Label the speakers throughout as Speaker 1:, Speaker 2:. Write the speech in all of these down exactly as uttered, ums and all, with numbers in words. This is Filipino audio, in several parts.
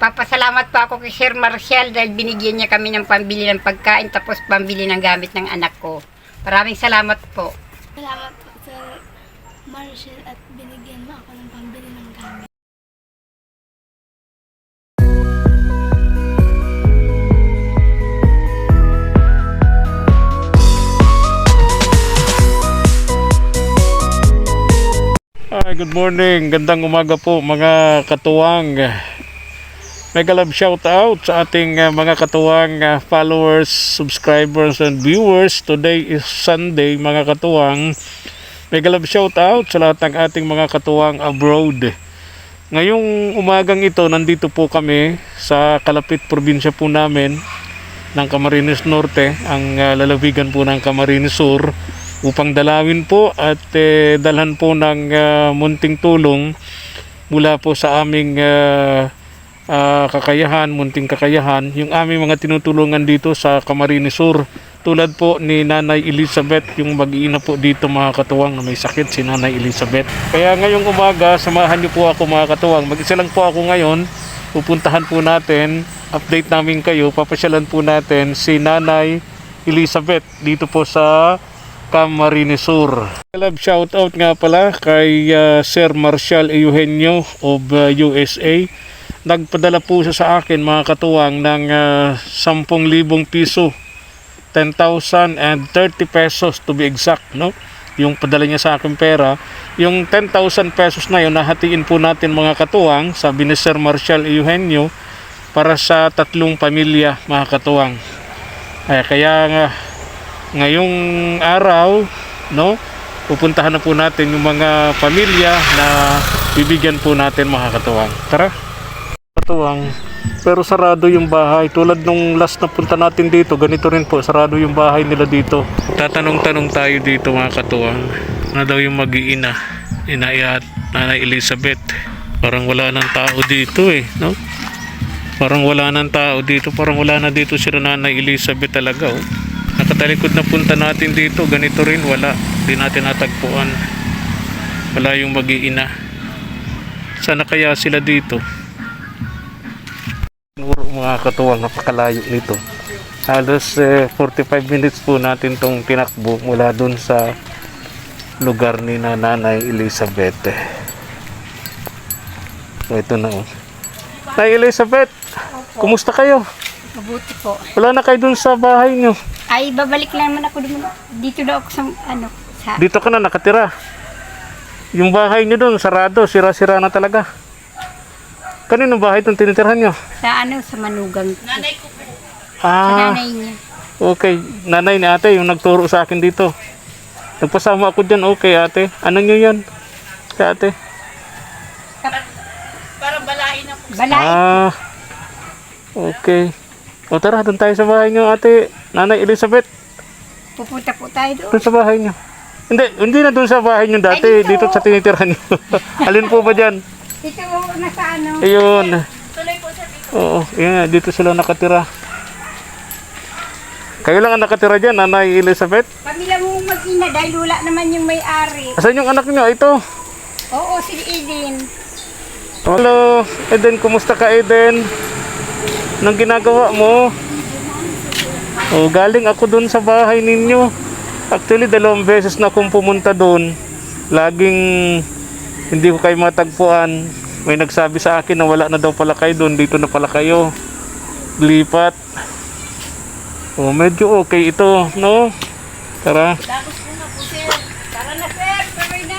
Speaker 1: nagpapasalamat po ako kay Sir Marcial dahil binigyan niya kami ng pambili ng pagkain tapos pambili ng gamit ng anak ko. Maraming salamat po.
Speaker 2: Salamat po Sir Marcial at binigyan mo ako ng pambili ng gamit.
Speaker 3: Hi, good morning. Gandang umaga po mga katuwang. Mega love shout out sa ating uh, mga katuwang uh, followers, subscribers and viewers. Today is Sunday mga katuwang. Mega love shout out sa lahat ng ating mga katuwang abroad. Ngayong umagang ito, nandito po kami sa kalapit probinsya po namin ng Camarines Norte, ang uh, lalawigan po ng Camarines Sur, upang dalawin po at eh, dalhan po ng uh, munting tulong mula po sa aming uh, uh, kakayahan, munting kakayahan, yung aming mga tinutulungan dito sa Camarines Sur. Tulad po ni Nanay Elizabeth, yung mag-iina po dito mga katuwang na may sakit, si Nanay Elizabeth. Kaya ngayong umaga, samahan niyo po ako mga katuwang. Mag-isa lang po ako ngayon. Pupuntahan po natin, update namin kayo, papasyalan po natin si Nanay Elizabeth dito po sa Camarines Sur. Love shout out nga pala kay uh, Sir Marcial Eugenio of uh, U S A. Nagpadala po siya sa akin mga katuwang ng uh, ten thousand piso, ten thousand thirty pesos to be exact, no? Yung padala niya sa akin pera, yung ten thousand pesos na yun nahatiin po natin mga katuwang, sabi ni Sir Marcial Eugenio, para sa tatlong pamilya mga katuwang. Ay, kaya nga ngayong araw, no, pupuntahan na po natin yung mga pamilya na bibigyan po natin mga katuwang. Tara, katuwang. Pero sarado yung bahay. Tulad nung last na punta natin dito, ganito rin po, sarado yung bahay nila dito. Tatanong-tanong tayo dito mga katuwang, na daw yung mag-iina, Inay at Nanay Elizabeth. Parang wala nang tao dito eh, no? Parang wala nang tao dito, parang wala na dito si Nanay Elizabeth talaga, oh. Nakatalikod na punta natin dito, ganito rin, wala. Hindi natin natagpuan. Wala yung mag-iina. Sana kaya sila dito? Mga katuwang, napakalayo nito. Halos eh, forty-five minutes po natin tong tinakbo mula dun sa lugar ni Nanay Elizabeth. So ito na, oh. Nanay Elizabeth, kumusta kayo?
Speaker 1: Mabuti po.
Speaker 3: Wala na kayo dun sa bahay nyo?
Speaker 1: Ay, babalik lang naman ako dun. Dito daw ako sa ano. Sa...
Speaker 3: Dito ka na nakatira. Yung bahay nyo dun, sarado, sira-sira na talaga. Kaninong bahay itong tinitirhan nyo?
Speaker 1: Sa ano, sa manugang. Nanay ko po. Sa
Speaker 3: Ah,
Speaker 1: nanay niya.
Speaker 3: okay. Nanay ni ate, yung nagturo sa akin dito. Nagpasama ako dyan, okay ate. Ano nyo yan? Kaya ate?
Speaker 1: Parang balain na po. Balain.
Speaker 3: Ah, okay. O tara, doon tayo sa bahay nyo ate, Nanay Elizabeth.
Speaker 1: Pupunta po tayo doon.
Speaker 3: Doon sa bahay nyo. Hindi, hindi na doon sa bahay nyo dati,
Speaker 1: Ay, dito.
Speaker 3: dito sa tinitirhan nyo. Alin po ba dyan?
Speaker 1: Dito na sa ano.
Speaker 3: Ayun.
Speaker 1: Tuloy po sa dito.
Speaker 3: Oo, yun, dito sila nakatira. Kayo lang ang nakatira dyan, Nanay Elizabeth?
Speaker 1: Pamilya mo mag-ina dahil wala naman yung may-ari.
Speaker 3: Asan yung anak nyo? Ito.
Speaker 1: Oo, si Eden.
Speaker 3: Hello, Eden. Kumusta ka, Eden? Anong ginagawa mo? Oh, galing ako dun sa bahay ninyo. Actually, dalawang beses na akong pumunta dun. Laging hindi ko kayo matagpuan. May nagsabi sa akin na wala na daw pala kayo dun. Dito na pala kayo. Lipat. Oh, medyo okay ito, no? Tara.
Speaker 1: Tapos po na po, sir. Tara na, sir. Tuloy na.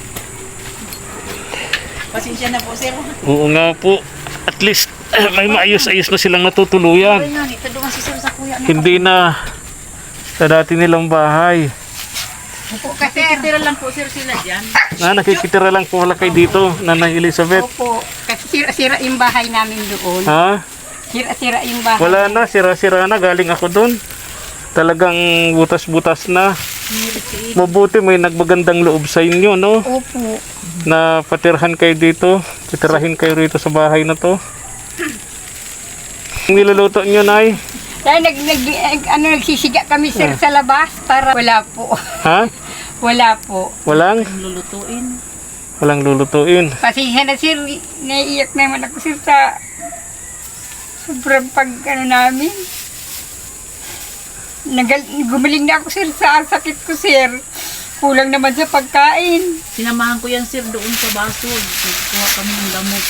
Speaker 1: Pasensya na po, sir.
Speaker 3: Oo nga po. At least, eh, may maayos-ayos na silang natutuluyan.
Speaker 1: Tuloy na. Ito doon si sir sa kuya.
Speaker 3: Hindi na sa dati nilang bahay.
Speaker 1: Opo, kasi
Speaker 4: Nakikitira lang po sir sila dyan.
Speaker 3: Na, nakikitira lang po wala kayo dito, Nanay Elizabeth.
Speaker 1: Opo, kasi sira-sira yung bahay namin doon.
Speaker 3: Ha?
Speaker 1: Sira-sira yung bahay.
Speaker 3: Wala na, sira-sira na. Galing ako doon. Talagang butas-butas na. Mabuti may nagbagandang loob sa inyo, no?
Speaker 1: Opo.
Speaker 3: Na patirhan kayo dito. Titirahin kayo rito sa bahay na to. Ang niluluto nyo, Nay?
Speaker 1: Dahil nag, nag, ano, nagsisiga kami sir sa labas para wala po.
Speaker 3: Ha?
Speaker 1: Wala po.
Speaker 3: Walang?
Speaker 4: Lulutuin.
Speaker 3: Walang lulutuin.
Speaker 1: Pasensya na sir, naiiyak naman ako sir sa Sobrang pag ano namin. Nagal, gumaling na ako sir sa sakit ko sir. Kulang naman sa pagkain.
Speaker 4: Sinamahan ko yan sir doon sa baso. Nagkuha kami ng gamot.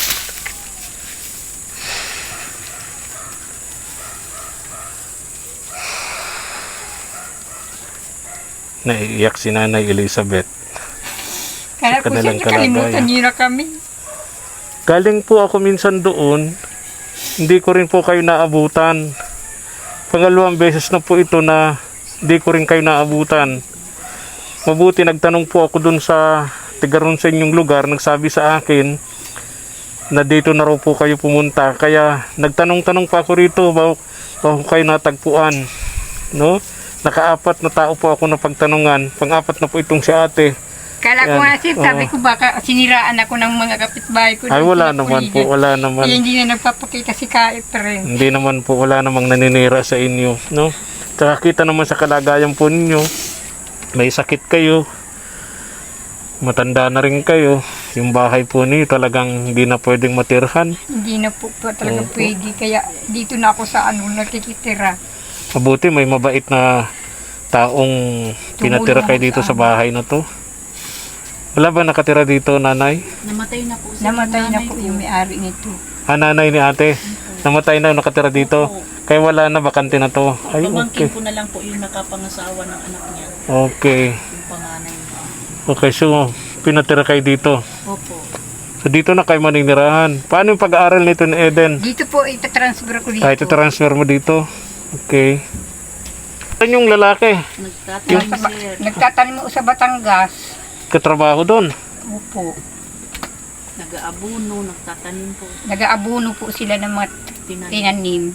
Speaker 3: Naiiyak si Nanay Elizabeth.
Speaker 1: Kaya
Speaker 3: Sa
Speaker 1: po sir,
Speaker 3: kanilang
Speaker 1: nakalimutan
Speaker 3: kalagayan.
Speaker 1: niyo na kami.
Speaker 3: Galing po ako minsan doon, hindi ko rin po kayo naabutan. Pangalawang beses na po ito na hindi ko rin kayo naabutan. Mabuti nagtanong po ako doon sa tigaron sa inyong lugar, nagsabi sa akin na dito na raw po kayo pumunta. Kaya nagtanong-tanong pa ako rito, bago, bago kayo natagpuan. No? Nakaapat na tao po ako na pagtanungan. Pang-apat na po itong si ate.
Speaker 1: Kala ko
Speaker 3: Yan.
Speaker 1: nga sir, sabi
Speaker 3: Oo.
Speaker 1: ko baka siniraan ako ng mga kapitbahay ko.
Speaker 3: Ay,
Speaker 1: Hindi
Speaker 3: wala
Speaker 1: na
Speaker 3: naman po,
Speaker 1: puligan.
Speaker 3: wala naman.
Speaker 1: Kaya hindi na nagpapakita si Kait rin.
Speaker 3: Hindi naman po, wala namang naninira sa inyo, no? Tsaka kita naman sa kalagayan po ninyo, may sakit kayo, matanda na rin kayo, yung bahay po niyo talagang hindi na pwedeng matirhan.
Speaker 1: Hindi na po, po talaga
Speaker 3: Opo.
Speaker 1: pwede. Kaya dito na ako sa ano, nakikitira.
Speaker 3: Mabuti may mabait na taong pinatira kayo dito
Speaker 1: sa
Speaker 3: sa bahay na to. Wala ba nakatira dito, nanay?
Speaker 4: Namatay na po sir.
Speaker 1: Namatay
Speaker 4: yung
Speaker 1: na
Speaker 4: nanay
Speaker 1: po
Speaker 4: ko.
Speaker 1: yung may-ari nito.
Speaker 3: Ah, nanay ni ate. Namatay na, nakatira dito. Kaya wala na, bakante na to. Ay,
Speaker 4: Pamangkin
Speaker 3: okay.
Speaker 4: ko na lang po yung nakapangasawa ng anak niya.
Speaker 3: Okay.
Speaker 4: Yung panganay niya.
Speaker 3: Okay, so pinatira kayo dito.
Speaker 4: Opo.
Speaker 3: So dito na kayo maninirahan. Paano yung pag-aaral nito ni Eden?
Speaker 1: Dito po, itatransfer ko dito.
Speaker 3: Kahit transfer mo dito. Okay. Saan yung lalaki?
Speaker 4: Nagtatanim
Speaker 1: Sa ba-
Speaker 4: sir.
Speaker 1: Nagtatanim mo sa Batangas.
Speaker 3: Katrabaho doon.
Speaker 1: Opo.
Speaker 4: Nag-aabuno, nagtatanim po.
Speaker 1: Nag-aabuno po sila ng mga
Speaker 4: Tinanim.
Speaker 1: tinanim.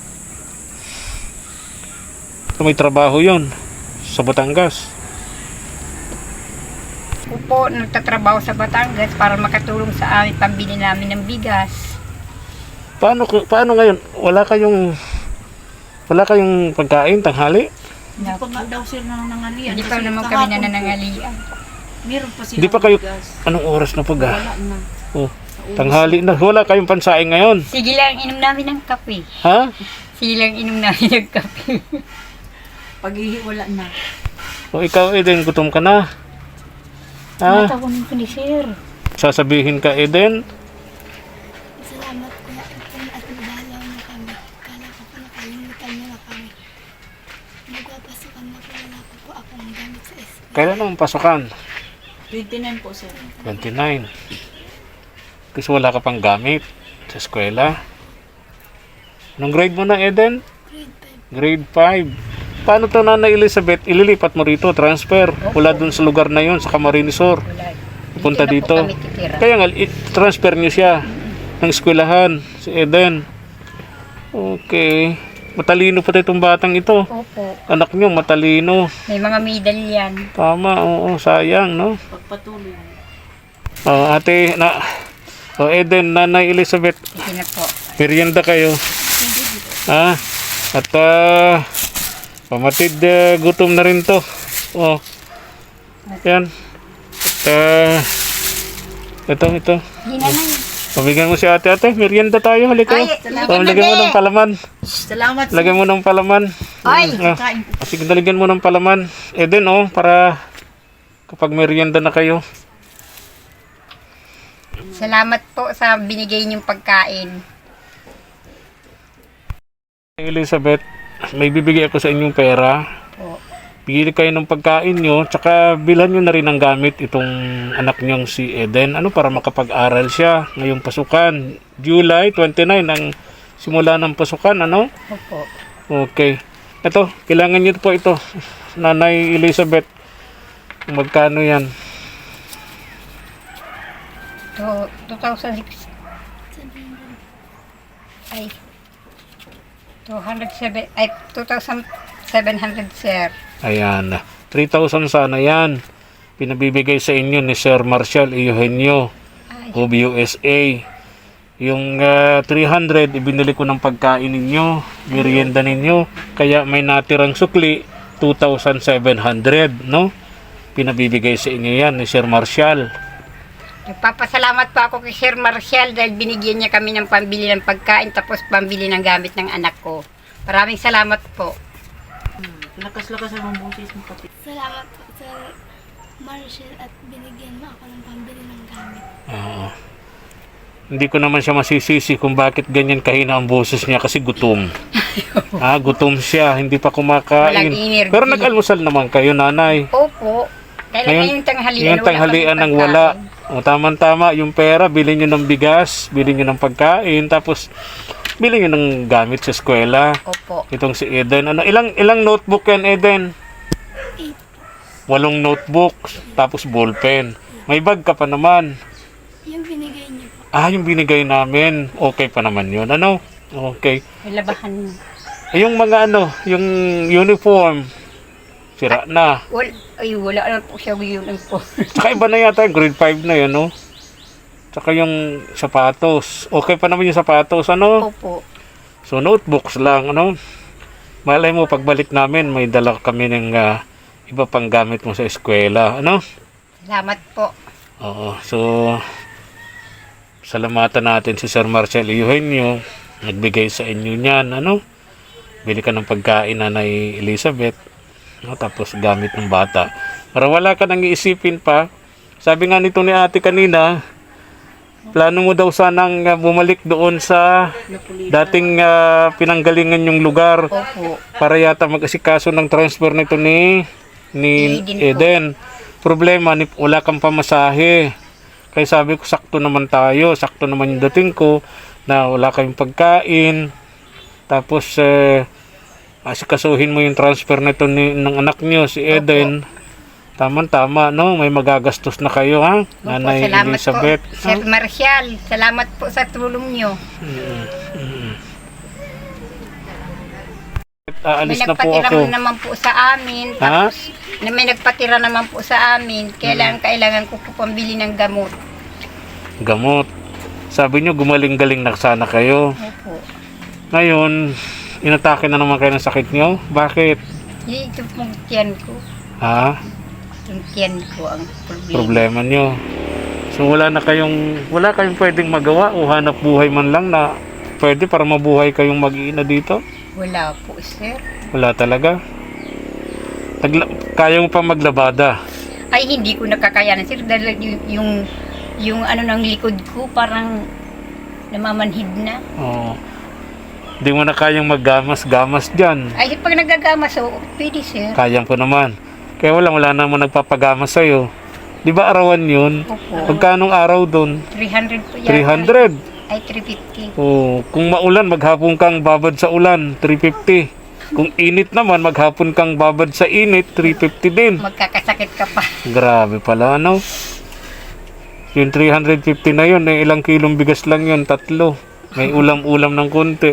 Speaker 3: So may trabaho yon sa Batangas.
Speaker 1: Opo, nagtatrabaho sa Batangas para makatulong sa amin, pambili namin ng bigas.
Speaker 3: Paano ko- paano ngayon? Wala kayong wala kayong pagkain tanghali?
Speaker 4: Hindi pa nga daw sir nanangalian.
Speaker 1: Hindi pa
Speaker 4: Kasi
Speaker 1: naman kami
Speaker 4: kahapon po,
Speaker 1: nananangalian.
Speaker 4: Meron pa sila.
Speaker 3: Hindi pa kayo- Anong oras na pag?
Speaker 4: Wala na.
Speaker 3: Oh, tanghali na. Wala kayong pansaing ngayon.
Speaker 1: Sige lang, inom namin ng kape.
Speaker 3: Ha?
Speaker 1: Sige lang, inom namin ng kape.
Speaker 4: Paghihi, wala na.
Speaker 3: O ikaw Eden, gutom ka na. Ha?
Speaker 1: Natawanin ko ni sir.
Speaker 3: Sasabihin ka Eden?
Speaker 2: Salamat Kuya Ipon at nabalaw na kami. Kala ko pa nakalimutan niyo na kami. Nagpapasukan na po wala pa po akong gamit sa eskwela.
Speaker 3: Kailan ang pasukan?
Speaker 4: twenty-nine po sir.
Speaker 3: twenty-nine. Kasi wala ka pang gamit sa eskwela. Anong grade mo na, Eden?
Speaker 2: Grade five.
Speaker 3: Grade five. Paano to, Nanay Elizabeth? Ililipat mo rito, transfer. Wala dun sa lugar na yun, sa Camarines Sur.
Speaker 1: Wala.
Speaker 3: Pupunta
Speaker 1: na po
Speaker 3: dito.
Speaker 1: kami titira.
Speaker 3: Kaya nga, i-transfer nyo siya ng eskwelahan, si Eden. Okay. Matalino pa itong batang ito.
Speaker 1: Opo.
Speaker 3: Anak nyo, matalino.
Speaker 1: May mga medal yan.
Speaker 3: Tama, oo, sayang, no?
Speaker 4: Pagpatuloy.
Speaker 3: Oh, ate, na... Oh, Eden, Nanay Elizabeth,
Speaker 1: Sige na po.
Speaker 3: merienda kayo. Ha? At ah, pamatid ah, gutom na rin to. Oh. Yan. At ah, ito, ito.
Speaker 1: Hindi na na.
Speaker 3: Pabigyan mo si ate, ate. Merienda tayo. Halika.
Speaker 1: Ay,
Speaker 3: Oh, lagyan mo ng palaman.
Speaker 4: Salamat sir.
Speaker 3: Lagyan mo ng palaman.
Speaker 1: Ay!
Speaker 3: Ah,
Speaker 4: Kain po.
Speaker 3: sige, dalagyan mo ng palaman. Eden, oh, para kapag merienda na kayo.
Speaker 1: Salamat po sa binigay niyong pagkain.
Speaker 3: Elizabeth, may bibigay ako sa inyong pera.
Speaker 1: Po.
Speaker 3: Bigyan kayo ng pagkain nyo, tsaka bilhan nyo na rin ng gamit itong anak nyong si Eden. Ano, para makapag-aral siya ngayong pasukan. July twenty-nine ang simula ng pasukan, ano?
Speaker 1: Opo.
Speaker 3: Okay. Ito, kailangan nyo po ito. Nanay Elizabeth, kung magkano yan?
Speaker 1: To, two thousand six. Ay. two hundred seven. Ay, two thousand seven hundred, sir.
Speaker 3: Ayan. three thousand sana yan. Pinabibigay sa inyo ni Sir Marshall Eugenio
Speaker 1: Ay.
Speaker 3: of U S A. Yung ah, three hundred, ibinili ko ng pagkain ninyo, merienda ninyo. Kaya may natirang sukli, two thousand seven hundred, no? Pinabibigay sa inyo yan ni Sir Marshall.
Speaker 1: Nagpapasalamat po ako kay Sir Marcial dahil binigyan niya kami ng pambili ng pagkain tapos pambili ng gamit ng anak ko. Maraming salamat po.
Speaker 4: Hmm. Lakas-lakas ang boses mo kapit.
Speaker 2: Salamat po Sir Marshall at binigyan mo ako ng pambili ng gamit.
Speaker 3: Oo. Hindi ko naman siya masisisi kung bakit ganyan kahina ang boses niya kasi gutom. ah, gutom siya, hindi pa kumakain.
Speaker 1: Walang energy.
Speaker 3: Pero nag-almusal naman kayo, nanay.
Speaker 1: Opo. Dahil
Speaker 3: Ngayon,
Speaker 1: ngayong tanghalian,
Speaker 3: Yung tanghalian
Speaker 1: wala
Speaker 3: ng
Speaker 1: kaming
Speaker 3: wala.
Speaker 1: pagkain.
Speaker 3: O, tama-tama, yung pera, bilhin nyo ng bigas, bilhin nyo ng pagkain, tapos bilhin nyo ng gamit sa eskwela.
Speaker 1: Opo.
Speaker 3: Itong si Eden. Ano, ilang ilang notebook yan, Eden?
Speaker 2: Eight.
Speaker 3: Walong notebook, tapos ballpen. May bag ka pa naman.
Speaker 2: Yung binigay niyo po.
Speaker 3: Ah, yung binigay namin. Okay pa naman yun. Ano? Okay.
Speaker 1: May labahan.
Speaker 3: Eh, yung mga ano, yung uniform, sira na.
Speaker 1: Wala, ay, wala na po siya yun po.
Speaker 3: Tsaka iba na yata, grade five na yun, no? Tsaka yung sapatos. Okay pa naman yung sapatos, ano?
Speaker 1: Opo.
Speaker 3: So, notebooks lang, ano? Malay mo, pagbalik namin, may dala kami ng ah, iba pang gamit mo sa eskwela, ano?
Speaker 1: Salamat po.
Speaker 3: Oo, so, salamatan natin si Sir Marcel Eugenio, nagbigay sa inyo niyan, ano? Bili ka ng pagkain, Nanay Elizabeth, no? Tapos gamit ng bata. Para wala ka nang iisipin pa. Sabi nga nito ni ate kanina, plano mo daw sanang uh, bumalik doon sa dating uh, pinanggalingan yung lugar
Speaker 1: Opo.
Speaker 3: para yata mag-asikaso ng transfer nito ni ni
Speaker 1: Eden po.
Speaker 3: Eden. Problema, ni, wala kang pamasahe. Kaya sabi ko, sakto naman tayo, sakto naman yung dating ko na wala kayong pagkain. Tapos, eh, asikasuhin mo yung transfer nito ni, ng anak niyo, si Eden. Tama-tama, no? May magagastos na kayo, ha?
Speaker 1: Opo,
Speaker 3: Nanay
Speaker 1: salamat
Speaker 3: Elizabeth.
Speaker 1: po. Sir Marcial, salamat po sa tulong nyo.
Speaker 3: Aalis
Speaker 1: May
Speaker 3: na po
Speaker 1: nagpatira
Speaker 3: ako.
Speaker 1: naman po sa amin.
Speaker 3: Ha?
Speaker 1: Tapos, na may nagpatira naman po sa amin. Kailangan, kailangan ko po pambili ng gamot.
Speaker 3: Gamot. Sabi nyo, gumaling-galing na sana kayo.
Speaker 1: Opo.
Speaker 3: Ngayon, inatake na naman kayo ng sakit nyo? Bakit?
Speaker 1: Ito pong tiyan ko.
Speaker 3: Ha?
Speaker 1: Yung tiyan ko ang problema.
Speaker 3: Problema nyo. So wala na kayong, wala kayong pwedeng magawa o hanap buhay man lang na pwede para mabuhay kayong mag-iina dito?
Speaker 1: Wala po, sir.
Speaker 3: Wala talaga. Nagla- kaya mo pa maglabada.
Speaker 1: Ay, hindi ko nakakayanan, sir. Dahil yung, yung, yung ano ng likod ko, parang namamanhid na.
Speaker 3: Oo. Hindi mo na kayang maggamas-gamas dyan.
Speaker 1: Ay, pag nagagamas, so, pwede, sir.
Speaker 3: Kayang ko naman. Kaya wala, wala naman nagpapagamas sa'yo. Di ba arawan yun?
Speaker 1: Opo.
Speaker 3: Magkanong araw doon?
Speaker 1: three hundred po yan.
Speaker 3: three hundred.
Speaker 1: Ay, three fifty.
Speaker 3: Oh, kung maulan, maghapon kang babad sa ulan, three fifty. Kung init naman, maghapon kang babad sa init, three fifty din.
Speaker 1: Magkakasakit ka pa.
Speaker 3: Grabe pala, ano? Yung three hundred fifty na yun, eh, ilang kilong bigas lang yun, tatlo. May ulam-ulam ng konti.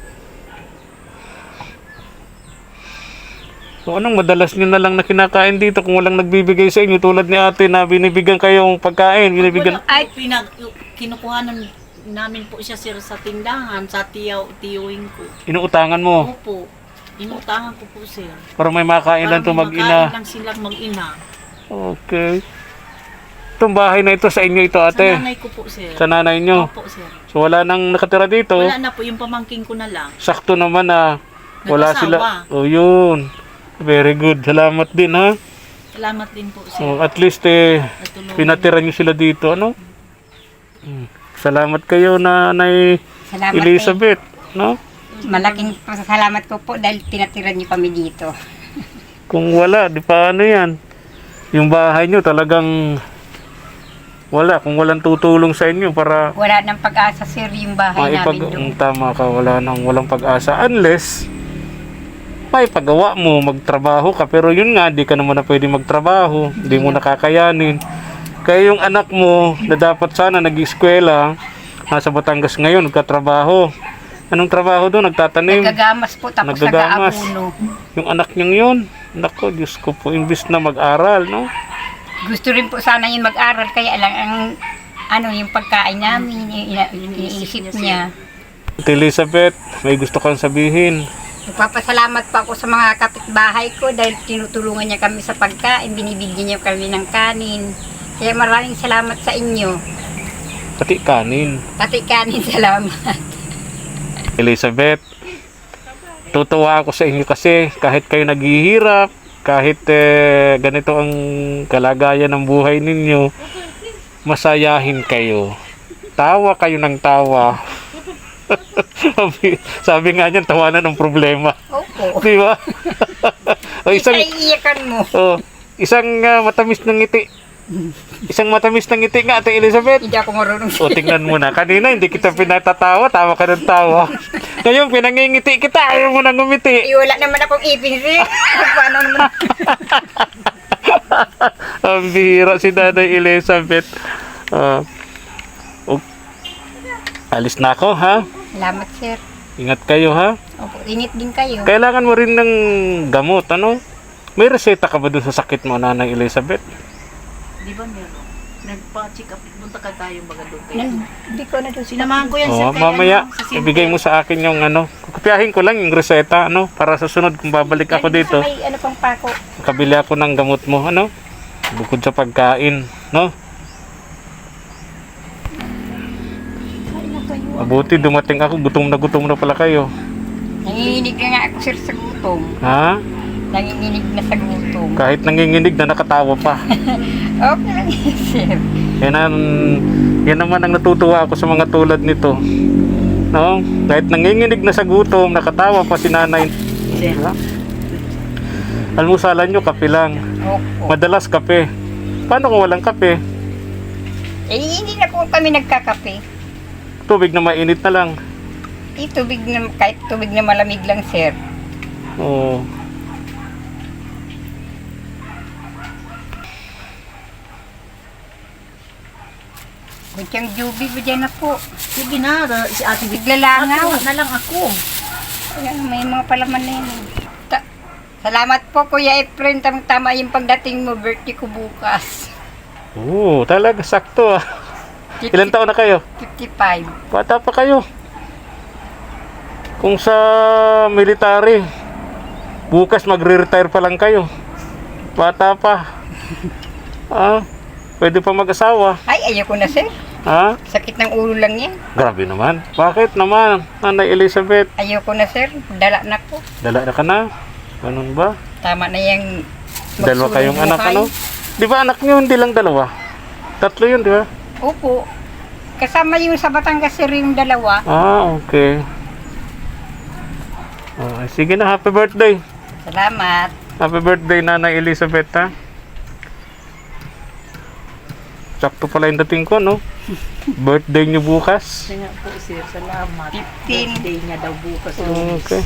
Speaker 3: So, anong madalas nyo na lang na kinakain dito kung walang nagbibigay sa inyo tulad ni ate na binibigyan kayong pagkain, binibigyan...
Speaker 4: Wala, ay, pinag, kinukuhanan namin po siya sir sa tindahan, sa tiyaw, tiyuing ko.
Speaker 3: Inuutangan mo
Speaker 4: Opo, inutangan ko po sir.
Speaker 3: para may makain lang to
Speaker 4: Para may
Speaker 3: mag-ina.
Speaker 4: makain lang silang mag-ina.
Speaker 3: Okay. Itong bahay na ito sa inyo ito,
Speaker 4: Sa
Speaker 3: ate.
Speaker 4: nanay ko po sir.
Speaker 3: Sa nanay nyo.
Speaker 4: Opo sir.
Speaker 3: So wala nang nakatira dito.
Speaker 4: Wala na po, yung pamangking ko na lang.
Speaker 3: Sakto naman na wala
Speaker 4: Nag-asawa.
Speaker 3: sila. Oh, yun. Very good. Salamat din, ha.
Speaker 4: Salamat din po sir.
Speaker 3: Oh, at least eh
Speaker 4: Natulungan.
Speaker 3: pinatira nyo sila dito, ano? Hmm. Salamat kayo, Nanay
Speaker 1: Salamat
Speaker 3: Elizabeth, no?
Speaker 1: eh. Malaking pasasalamat ko po dahil tinatira niyo kami dito.
Speaker 3: Kung wala, di pa ano yan. Yung bahay nyo talagang wala. Kung walang tutulong sa inyo para
Speaker 1: Wala nang pag-asa, sir, yung bahay
Speaker 3: maipag...
Speaker 1: namin doon.
Speaker 3: Mm, tama ka, wala nang walang pag-asa. Unless, may pagawa mo, magtrabaho ka. Pero yun nga, di ka naman na pwede magtrabaho. Hindi mo nakakayanin. Kaya yung anak mo, na dapat sana nag-eskwela, nasa Batangas ngayon, nagkatrabaho. Anong trabaho doon? Nagtatanim.
Speaker 1: Nagagamas po, tapos
Speaker 3: Nagagamas.
Speaker 1: nag-aabuno.
Speaker 3: Yung anak niyang yun, nako, Diyos ko po, imbis na mag-aral, no?
Speaker 1: Gusto rin po sana yung mag-aral, kaya lang ang ano yung pagkain namin, ina- iniisip niya.
Speaker 3: Ate Elizabeth, may gusto kang sabihin.
Speaker 1: Nagpapasalamat po ako sa mga kapitbahay ko dahil tinutulungan niya kami sa pagkain, binibigyan niya kami ng kanin. Kaya maraming salamat sa inyo.
Speaker 3: Pati kanin.
Speaker 1: Pati kanin, salamat.
Speaker 3: Elizabeth, tutuwa ako sa inyo kasi kahit kayo naghihirap, kahit eh, ganito ang kalagayan ng buhay ninyo, masayahin kayo. Tawa kayo ng tawa. sabi, sabi nga niyan, tawanan ng problema.
Speaker 1: Opo.
Speaker 3: Di ba? o isang,
Speaker 1: Iiyakan mo.
Speaker 3: oh, isang ah, matamis ng ngiti. Isang matamis ng ngiti nga, Ate Elizabeth.
Speaker 1: Hindi ako marunong.
Speaker 3: O, tingnan mo na. Kanina, hindi kita pinatatawa. Tawa ka ng tawa. Ngayon, pinangingiti kita. Ayaw mo nang ngumiti.
Speaker 1: Eh, wala naman akong ipin, sir. Paano naman?
Speaker 3: Ang bihira si Nanay Elizabeth. Ah, o- alis na ako, ha?
Speaker 1: Salamat, sir.
Speaker 3: Ingat kayo, ha?
Speaker 1: Opo, init din kayo.
Speaker 3: Kailangan mo rin ng gamot, ano? May reseta ka ba dun sa sakit mo, Nanay Elizabeth?
Speaker 4: Di ba meron? Nagpa-check up. Punta ka tayo baga doon kayo.
Speaker 1: Nan- Hindi ko na doon.
Speaker 4: Sinamahan ko yan
Speaker 3: Oo,
Speaker 4: sir. kay
Speaker 3: mamaya,
Speaker 4: ano, sa Cebu.
Speaker 3: ibigay mo sa akin yung ano. Kukupiyahin ko lang yung reseta, ano? Para sa sunod kung babalik ako dito.
Speaker 1: May ano pang pako.
Speaker 3: Kabili ako ng gamot mo, ano? Bukod sa pagkain, no? Mabuti, dumating ako. Gutom na gutom na pala kayo.
Speaker 1: Nanginginig na nga ako, sir, sa gutom.
Speaker 3: Ha?
Speaker 1: Nanginginig na sa gutom.
Speaker 3: Kahit nanginginig na nakatawa pa.
Speaker 1: Okay lang yun, sir.
Speaker 3: Yan, ang, yan naman ang natutuwa ako sa mga tulad nito. No? Kahit nanginginig na sa gutom, nakatawa pa si nanay.
Speaker 4: Sir.
Speaker 3: Almusalan nyo, kape lang.
Speaker 1: Opo.
Speaker 3: Madalas kape. Paano kung walang kape?
Speaker 1: Eh, hindi na po kami nagkakape.
Speaker 3: Tubig na mainit na lang.
Speaker 1: Eh, tubig na, kahit tubig na malamig lang, sir.
Speaker 3: Oo.
Speaker 1: Kutsang jubi ba dyan na po?
Speaker 4: Sige na, si ate Vic.
Speaker 1: Biglalangaw.
Speaker 4: Ate, na lang ako.
Speaker 1: Ayan, may mga palaman na yun. Ta- Salamat po, Kuya Efren. Tama yung pagdating mo, birthday ko bukas.
Speaker 3: Oo, talaga sakto ah. Ilan taon na kayo?
Speaker 1: fifty-five.
Speaker 3: Bata pa kayo. Kung sa military, bukas magre-retire pa lang kayo. Bata pa. Ah, pwede pa mag-asawa.
Speaker 1: Ay, ayoko na, sir.
Speaker 3: Ha?
Speaker 1: Sakit ng ulo lang yan.
Speaker 3: Grabe naman. Bakit naman, Nanay Elizabeth?
Speaker 1: Ayoko na, sir. Dala na ko.
Speaker 3: Dala na ka na? Ganun ba?
Speaker 1: Tama na yung
Speaker 3: Dalawa kayong anak,
Speaker 1: magsulong
Speaker 3: ano? Di ba anak nyo, hindi lang dalawa? Tatlo yun, di ba?
Speaker 1: buhay. Opo. Kasama yung sa Batangas, sir, yung dalawa.
Speaker 3: Ah, okay. Oh, sige na, happy birthday.
Speaker 1: Salamat.
Speaker 3: Happy birthday, Nanay Elizabeth, ha? Sakto pala yung dating ko, no? Birthday niyo bukas.
Speaker 4: Sige nga po sir, salamat.
Speaker 1: fifteen.
Speaker 4: Birthday niya daw bukas.
Speaker 3: Okay.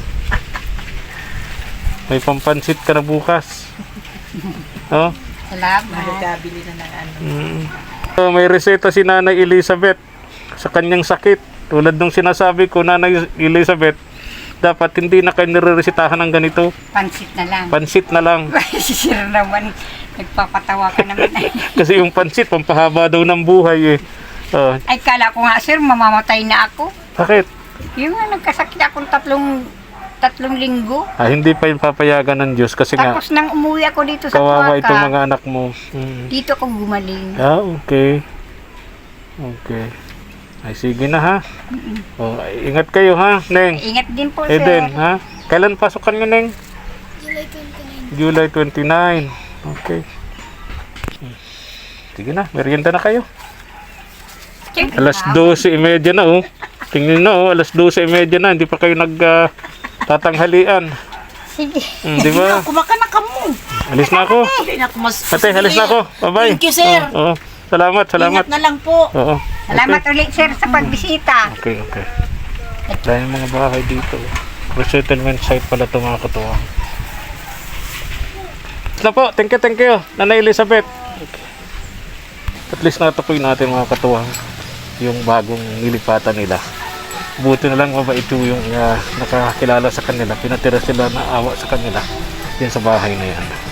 Speaker 3: May pampansit ka na bukas. Oh?
Speaker 1: Salamat.
Speaker 4: Magkabili na ng ano.
Speaker 3: Mm. So, may reseta si Nanay Elizabeth sa kanyang sakit. Tulad nung sinasabi ko, Nanay Elizabeth, dapat hindi na kayo nireresetahan ng ganito.
Speaker 1: Pansit na lang.
Speaker 3: Pansit na lang.
Speaker 1: Si sir naman, nagpapatawa ka naman.
Speaker 3: Kasi yung pansit, pampahaba daw ng buhay eh. Oh,
Speaker 1: Ay, kala ko nga, sir, mamamatay na ako.
Speaker 3: bakit?
Speaker 1: Yung nga, nagkasakit akong tatlong tatlong linggo.
Speaker 3: Ah, hindi pa yung papayagan ng Diyos kasi nga,
Speaker 1: Tapos nang umuwi ako dito sa
Speaker 3: kawawa
Speaker 1: Tuaca,
Speaker 3: itong mga anak mo. Mm.
Speaker 1: dito ako gumaling.
Speaker 3: Ah, okay. Okay. Ay, sige na ha. Oh, ay, ingat kayo ha, Neng.
Speaker 1: Ingat din po,
Speaker 3: Eden,
Speaker 1: sir.
Speaker 3: ha? Kailan pasukan nyo, Neng?
Speaker 2: July twenty-nine.
Speaker 3: July twenty-nine. Okay. Sige na, merienda na kayo. Alas dose thirty na, oh. Tingnan na, oh. Alas dose thirty na. Hindi pa kayo nag ah, tatanghalian.
Speaker 1: Sige.
Speaker 3: Hmm, di ba?
Speaker 4: Kumakanak ka mo.
Speaker 3: Alis na ako.
Speaker 4: Hindi na ako mas...
Speaker 3: Ate, alis na ako. Bye-bye.
Speaker 4: Thank you sir.
Speaker 3: Oo, oo. Salamat, salamat.
Speaker 4: Ingat na lang po.
Speaker 3: Oo.
Speaker 1: Salamat ulit, sir, sa pagbisita.
Speaker 3: Okay, okay. Dahil mga bahay dito. Resettlement site pala ito mga katuwa. Na po, thank you, thank you. Nanay Elizabeth. Okay. At least natukoy natin mga katuwa yung bagong nilipatan nila. Buti na lang mabait yung uh, nakakilala sa kanila. Pinatira sila na awa sa kanila yan sa bahay na yan.